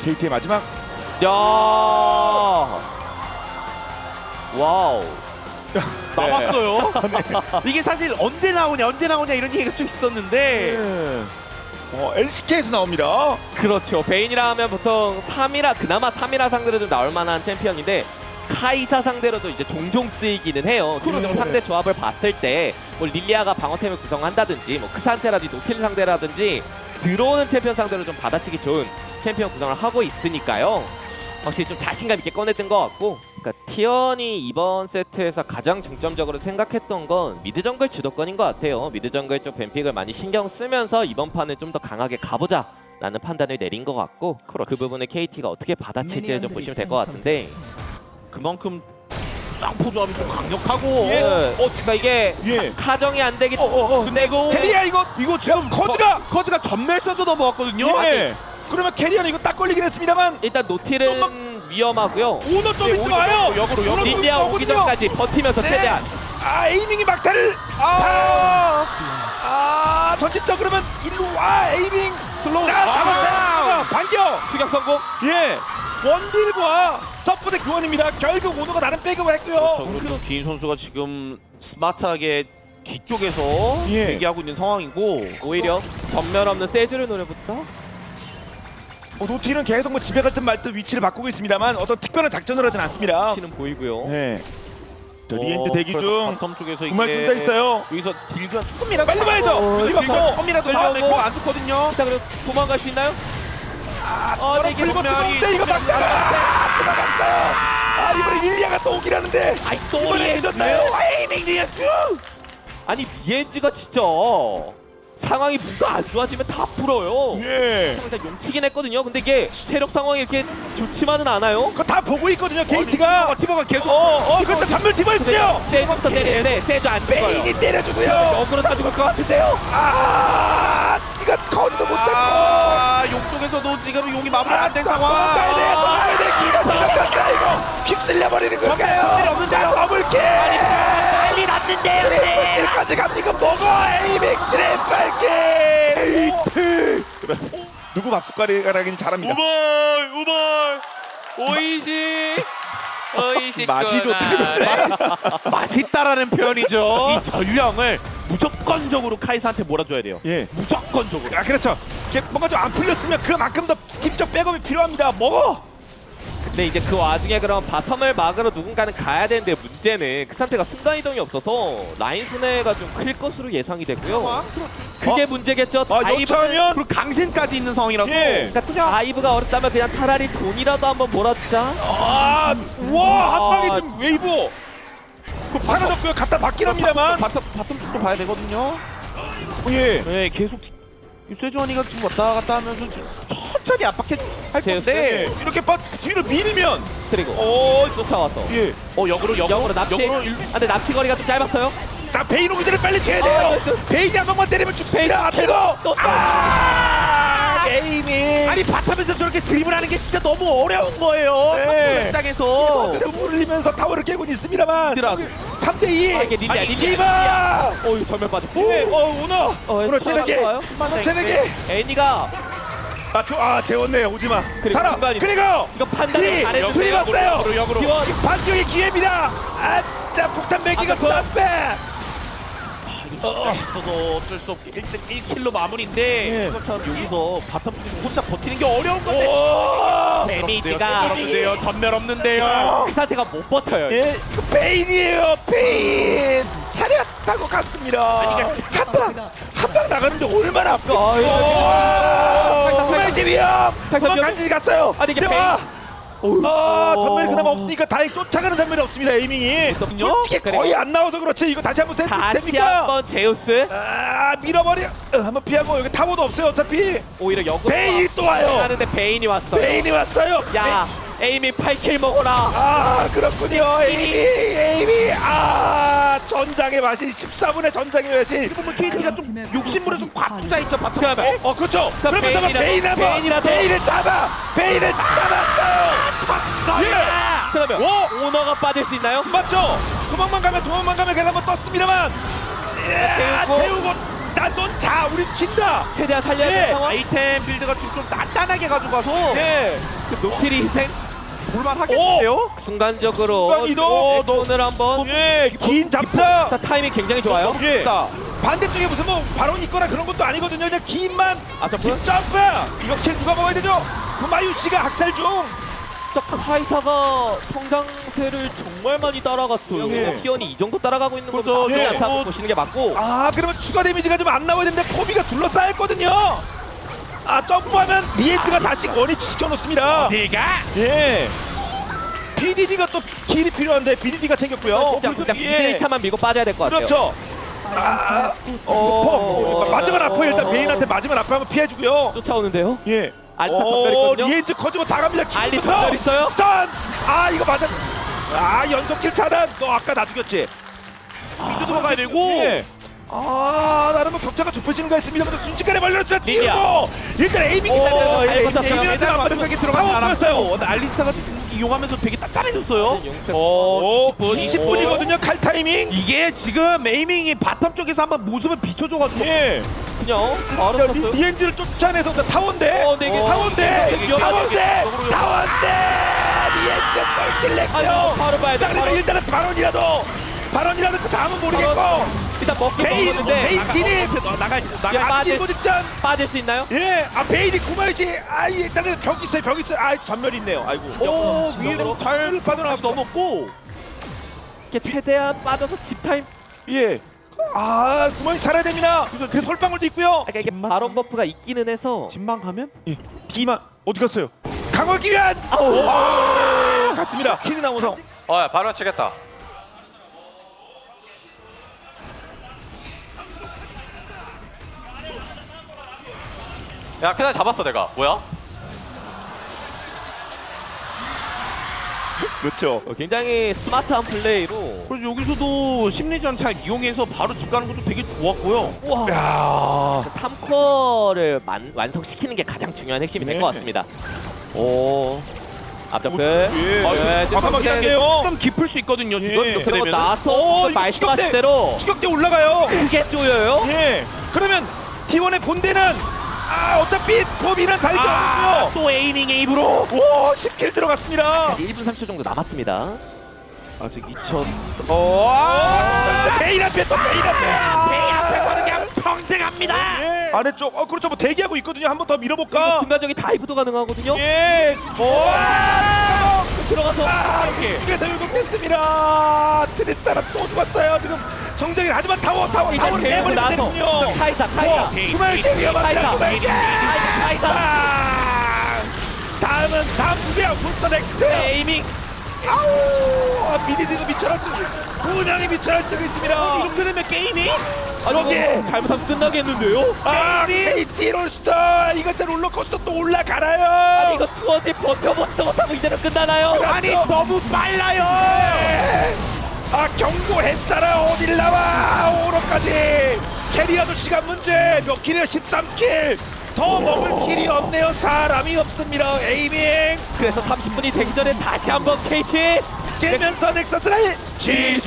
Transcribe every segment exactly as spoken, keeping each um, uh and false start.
케이티의 마지막. 야. 와우. 남았어요. 이게 사실 언제 나오냐 언제 나오냐 이런 얘기가 좀 있었는데 네. 어, 엘씨케이에서 나옵니다. 그렇죠. 베인이라 하면 보통 삼 이라 그나마 삼 이라 상대로 좀 나올 만한 챔피언인데 카이사 상대로도 이제 종종 쓰이기는 해요. 그렇죠. 그렇죠. 상대 조합을 봤을 때 뭐 릴리아가 방어템을 구성한다든지 뭐 크산테라든지 노틸 상대라든지 들어오는 챔피언 상대로 좀 받아치기 좋은 챔피언 구성을 하고 있으니까요. 확실히 좀 자신감 있게 꺼냈던 것 같고, 그러니까 티언이 이번 세트에서 가장 중점적으로 생각했던 건 미드 정글 주도권인 것 같아요. 미드 정글 쪽 뱀픽을 많이 신경 쓰면서 이번 판은 좀 더 강하게 가보자 라는 판단을 내린 것 같고, 그 부분을 케이티가 어떻게 받아칠지를 좀 보시면 될 것 같은데, 그만큼 쌍포 조합이 좀 강력하고 예. 어, 그러니까 이게 예. 카정이 안 되기 어, 어, 어. 근데 이거 캐리야 이거. 이거 지금 커즈가! 커즈가 전멸 써서 넘어왔거든요. 예. 그러면 캐리어는 이거 딱 걸리긴 했습니다만 일단 노틸은 위험하고요. 오너 좀 예, 있으면 오히려 와요. 역으로, 역으로. 릴리아 오기 전까지 버티면서 네. 최대한. 아 에이밍이 막타를. 아, 아 전진적 그러면 일로 와 에이밍. 슬로우. 자 잡았다. 반격. 추격 성공. 예. 원딜과 서포트 교환입니다. 결국 오너가 나름 백업을 했고요. 그리고 기인 선수가 지금 스마트하게 뒤쪽에서 예. 대기하고 있는 상황이고 오히려 전멸 없는 세주를 노려붙다. 어, 노틸은 계속 뭐 집에 갈 듯 말 듯 위치를 바꾸고 있습니다만 어떤 특별한 작전을 하진 않습니다. 치는 보이고요. 네. 저 리엔드 어, 대기 그래서 중. 바텀 쪽에서 정말 이게 둘다 있어요. 여기서 딜가 조금이라도 빨리 봐야 돼. 딜가 그리고 조금이라도 끌려고. 나오면 안 좋거든요. 자, 그럼 도망갈 수 있나요? 아, 어, 네, 이게 이거 전멸이- 뜨거운데 이거 막다가 아, 들어갔어요. 아 이번에 릴리아가 또 오긴 하는데. 아이 이번에 늦었나요? 에이밍 리아츠. 아니 리엔즈가 진짜 상황이 뭔가 안 좋아지면 다 풀어요. 예. 일단 용치긴 했거든요. 근데 이게 체력 상황이 이렇게 좋지만은 않아요. 그거 다 보고 있거든요. 케이티가. 티버가 계속 어, 어, 그렇죠. 단물 티버 있고요. 세주부터 때리는데 세주 안 죽어요. 베인이 때려주고요. 역으로 다 죽을 것 같은데요. 아, 이거 거리도 못 잡고. 아, 용 쪽에서도 지금 용이 마무리 안 된 상황. 가야 돼, 가야 돼. 기가 들어갔다 이거. 휩쓸려 버리는 건가요? 일이 없는데요. 더블킬. 빨리 났는데요. 트리플킬까지 갑니다. 이거 먹어. 에이밍 트리플킬. 에이트. 누구 밥숟가락이긴 잘합니다. 우벌 우벌 오이시 오이시 맛이 좋다고. 맛있다라는 표현이죠. 이 전령을 무조건적으로 카이사한테 몰아줘야 돼요. 예. 무조건적으로. 아 그렇죠. 이게 뭔가 좀 안 풀렸으면 그만큼 더 팀적 백업이 필요합니다. 먹어. 근데 이제 그 와중에 그럼 바텀을 막으러 누군가는 가야 되는데 문제는 그 상태가 순간이동이 없어서 라인 손해가 좀 클 것으로 예상이 되고요. 그게 어? 문제겠죠. 아 다이브는 여차하면 그리고 강신까지 있는 상황이라서. 예. 그러니까 다이브가 어렵다면 그냥 차라리 돈이라도 한번 몰아주자. 아, 와, 한 방에 아, 좀 웨이브. 사라졌고요. 갖다 받긴 합니다만. 바텀 바텀 쪽도 봐야 되거든요. 예. 네, 계속 이 세주환이가 지금 왔다 갔다 하면서 지금 천천히 압박해 할 제우스. 건데. 예. 이렇게 빠 뒤로 밀면 그리고 어, 쫓아와서 예. 어 역으로 역으로 역으로 납치. 역으로 아, 일- 근데 납치 거리가 좀 짧았어요. 자, 베인 오기 전에 빨리 돼야 아, 돼요. 나이스. 베인이 한 방만 때리면 죽습니다. 앞으로. 또 아, 게이밍. 아니 바텀에서 저렇게 드리블하는 게 진짜 너무 어려운 거예요. 네. 입장에서. 눈물을 흘리면서 타워를 깨고 있습니다만. 힘들어하고. 삼 대 이. 아, 이게 릴리아, 아니, 릴리아, 디바. 어이 전멸 빠졌고. 예. 어, 오너. 어, 오너 저 체내게. 좋아요? 오너 체내게. 애니가 아, 저, 아, 재웠네. 오지 마. 그리고 살아. 공간이- 그리고 이거 판단을 그리. 잘해서 그리 왔어요. 역으로 역으로. 기원 반격의 기회입니다. 아, 자, 폭탄 매기가 아까 그- 땀빼. 어, 있어서 어쩔 수 없게 일 등 일 킬로 마무리인데 예. 참 여기서 바텀 쪽에서 혼자 버티는 게 어려운 건데. 오. 데미지가 전멸 없는데요. 전멸 없는데요. 그 상태가 못 버텨요. 예, 그 베인이에요. 베인. 차렷 타고 갔습니다. 아니, 한 방, 한 방 나가는데 얼마나 아파. 아, 이거 후메지 위험. 탈탈 도망 위험. 간지 갔어요. 아니, 이게 대박. 아, 어. 전멸이 그나마 없으니까 다행 쫓아가는 전멸이 없습니다. 에이밍이. 그렇군요. 솔직히 그리고- 거의 안 나와서 그렇지. 이거 다시 한번 세트 다시 됩니까? 한번 제우스 아, 밀어버려. 어, 한번 피하고 여기 타워도 없어요. 어차피 오히려 역으로 베인이 또 와요. 하는데 베인이 왔어요. 베인이 왔어요. 야 에이미 팔 킬 먹어라. 아, 그렇군요. 에이미, 에이미. 아, 전장의 맛이 십사 분의 전장의 맛이. 보면 케이티가 좀 욕심부려서 과투자 있죠 바텀. 그러면 어, 그렇죠. 그럼 그러면서 베인이라도- 베인 한번 베인이라도- 베인을 잡아. 베인을 잡았어요. 예. 그러면 오! 오너가 빠질 수 있나요? 맞죠? 도망만 가면 도망만 가면 계속 한번 떴습니다만. 예, 태우고. 태우고 난넌자 우리 진다. 최대한 살려야 예. 되는 상황. 아이템 빌드가 지금 좀 단단하게 가지고 와서 예. 그 노틸이 희생. 볼만 하겠는데요? 순간적으로 순간 이동. 어, 오늘 한번 예. 긴 잡사. 자, 타이밍 굉장히 좋아요. 예. 반대쪽에 무슨 뭐 발언이 있거나 그런 것도 아니거든요. 그냥 긴만 아, 점프? 긴 점프. 이거 킬 누가 먹어야 되죠? 구마유 씨가 학살 중. 자, 카이사가 성장세를 정말 많이 따라갔어요. 예. 티언이 이 정도 따라가고 있는 것도 그래서 나쁘지 예. 않다고 그리고- 보시는 게 맞고. 아 그러면 추가 데미지가 좀 안 나와야 되는데 포비가 둘러싸였거든요. 아 점프하면 리엔트가 다시 원위치 시켜놓습니다. 네가 예. 비디디가 또 킬이 필요한데 비디디가 챙겼고요. 진짜 그냥 이 대 일 차만 밀고 빠져야 될 것 같아요. 그렇죠. 아, 어, 맞으면 아파요. 일단 메인한테 맞으면 아파하면 피해주고요. 쫓아오는데요. 예. 알타 전멸 있거든요. 리엔즈 커지고 다 갑니다. 알리 킥부터. 전멸 있어요? 스턴. 아 이거 맞아. 아 연속킬 차단. 너 아까 나 죽였지. 빌드 들어가야 되고 예. 아 나는 뭐 격차가 좁혀지는 거 있습니다만 순식간에 말렸으면 리디아. 띄우고 일단 에이밍이 오, 있다는 잘 버텼어요. 메달 완벽하게 들어가지 않았고 근데 알리스타가 지금 이용하면서 되게 단단해졌어요. 오, 이십 분이거든요 칼 타이밍. 이게 지금 에이밍이 바텀 쪽에서 한번 모습을 비춰줘가지고 예. 그냥 바로 야, 쳤어요. 리- 리엔즈를 쫓아내서 타원대. 어, 네 개. 타원대. 되게 위험하게 타원대. 역으로 타원대. 리엔즈 쏠길 냈고요. 아니, 바로 봐야 돼, 자, 그러면 바로. 일단은 발언이라도 발언이라도 그 다음은 모르겠고. 일단 먹긴 베인, 먹었는데 베인 진입. 나가 야, 나가 빠질- 앞뒤 직전. 빠질 수 있나요? 예. 아 베이지 구마유씨. 아 일단은 벽 있어요. 벽 있어요. 아 전멸 있네요. 아이고. 오 위로 잘 빠져나가고. 넘었고 이렇게 최대한 빠져서 집 타임. 예. 아 구마유 살아야 됩니다. 그 솔방울도 있고요. 그러니까 이게 바론 버프가 있기는 해서. 진만 가면 예. 비만 어디 갔어요? 강화기 위한. 아우. 갔습니다. 킬이 나오서. 어, 바로 치겠다. 야, 그날 잡았어 내가. 뭐야? 그렇죠. 어, 굉장히 스마트한 플레이로. 그래서 여기서도 심리전 잘 이용해서 바로 집 가는 것도 되게 좋았고요. 우와. 야. 삼 쿼를 완성시키는 게 가장 중요한 핵심이 될 것 네. 같습니다. 오. 앞점프. 예. 예, 좀 과감하게 좀 할게요. 좀 깊을 수 있거든요 지금 예. 이렇게 그리고 되면. 나서 오, 이거 말씀하신 추격대. 대로 추격대 올라가요. 크게 쪼여요. 예. 그러면 티원의 본대는 아 어차피 포비는 살죠. 아, 또 에이밍 에이브로 오, 십 킬 들어갔습니다. 이제 일 분 삼십 초 정도 남았습니다. 아직 이천. 어. 아, 베인 앞에 또 베인 앞에. 베인 앞에서는 그냥 평등합니다. 예. 아래쪽. 어 그렇죠. 뭐 대기하고 있거든요. 한 번 더 밀어볼까? 순간적인 다이브도 가능하거든요. 예. 와! 들어가서 아, 이게 결국됐습니다. 트리스타라 또 죽었어요. 지금 성장이 하지만 타워 타워 일단 타워를 데리고 내버리면 나서 되는군요. 카이사 카이사 구말제 위험합니다. 카이사 구말제. 카이사 카이사 아, 다음은 다음 누구야? 불사 넥스트. 에이밍. 아우, 아, 비디디도 미쳐날지고 분양이 미쳐날지고 있습니다. 이렇게 되면 게임이 아니, 여기. 이거 잘못하면 끝나겠는데요? 아, 케이티 롤스터 이거 진짜 롤러코스터 또 올라가나요? 아니 이거 투어지 버텨보지도 못하고 이대로 끝나나요? 아니 너무 빨라요. 아 경고했잖아. 어딜 나와. 오로까지 캐리어도 시간 문제. 몇 킬이요? 십삼 킬. 더 먹을 킬이 없네요. 사람이 없습니다. 에이밍 그래서 삼십 분이 되기 전에 다시 한번 케이티. 깨면서 넥서스를 지지.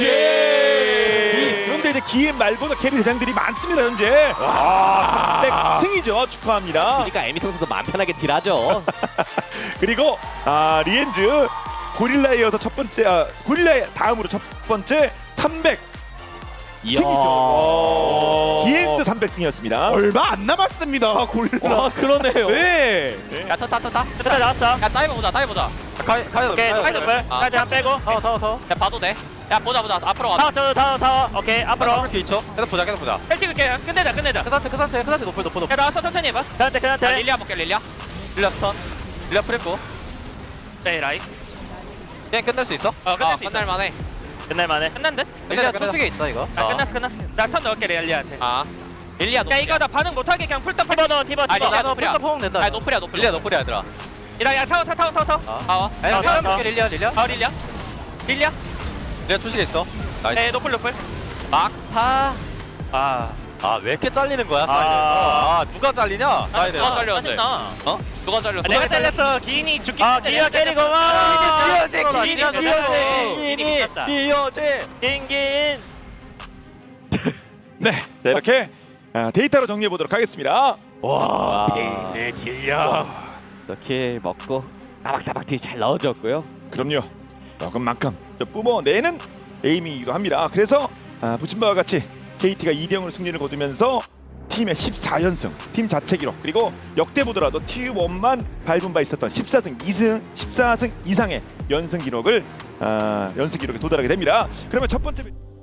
그런데 이제 기엠 말고도 캐리 대장들이 많습니다 현재. 와, 삼백 승이죠. 축하합니다. 그러니까 에미 선수도 마음 편하게 딜하죠. 그리고 아 리엔즈 고릴라에 이어서 첫 번째 아, 고릴라의 다음으로 첫 번째 삼백 이야. 승이죠. 디엔드 삼백 승이었습니다. 얼마 안 남았습니다 고릴라. 와 그러네요. 네. 야 탔다 탔다 탔다 나왔어. 야 다이브 보자 다이브 보자. 가야 가야 오케이 다이브 볼. 까지 안 빼고. 타워 타워 타워. 야 봐도 돼. 야 보자 보자 앞으로 와. 타워 타워 타워 타워. 오케이 앞으로. 이렇게 있죠? 계속 보자 계속 보자. 헬 찍을게. 끝내자 끝내자. 그 상태 그 상태 그 상태 높여 높여 높여. 야 나왔어 천천히 해봐. 그 상태 그 상태. 릴리아 볼게 릴리아. 릴라 스턴. 릴라 프레코. 네 라이. 게임 끝낼 수 있어? 어 끝낼 수 있어. 끝날만해. 끝날만해. 끝난 듯? 릴라 소식에 있다 이거. 아 끝났어 끝났어. 나 턴 넣을게 릴리아한테. 아. 릴리아 노플이야. 야 이거 나 반응 못하게 그냥 풀탑 티버 넣어 티버 티버. 아 릴리아 노플이야. 포옹 된다. 아 노플이야 노플. 릴리아 너프리야 얘들아. 야, 야 타워 타워 타워 타워. 타워. 아니 타워, 타워 타워. 릴리아 릴리아. 아 릴리아. 릴리아. 릴리아 소식에 있어. 나이스. 네 노플 노플. 막타. 아. 아 왜 이렇게 잘리는 거야? 아. 아, 아 누가 잘리냐? 아, 누가 잘렸는데? 어? 누가 잘렸어? 내가 잘렸어. 기인이 죽기 아, 전에 기인이가 내가 때리고 잘렸어. 와. 기인이 기인이 기인이 죽였어. 기인이 기인이 미쳤다. 이어제. 긴 네, 자, 이렇게 아, 데이터로 정리해 보도록 하겠습니다. 와, 와. 페인의 질량. 이렇게 먹고 따박따박 딜 잘 넣어줬고요. 그럼요. 먹은 만큼 또 뿜어내는 에이밍이기도 합니다. 그래서 아, 보신 바와 같이 케이티가 이 대 영으로 승리를 거두면서 팀의 십사 연승, 팀 자체 기록, 그리고 역대 보더라도 티원만 밟은 바 있었던 십사 승 이 승, 십사 승 이상의 연승 기록을 아, 연승 기록에 도달하게 됩니다. 그러면 첫 번째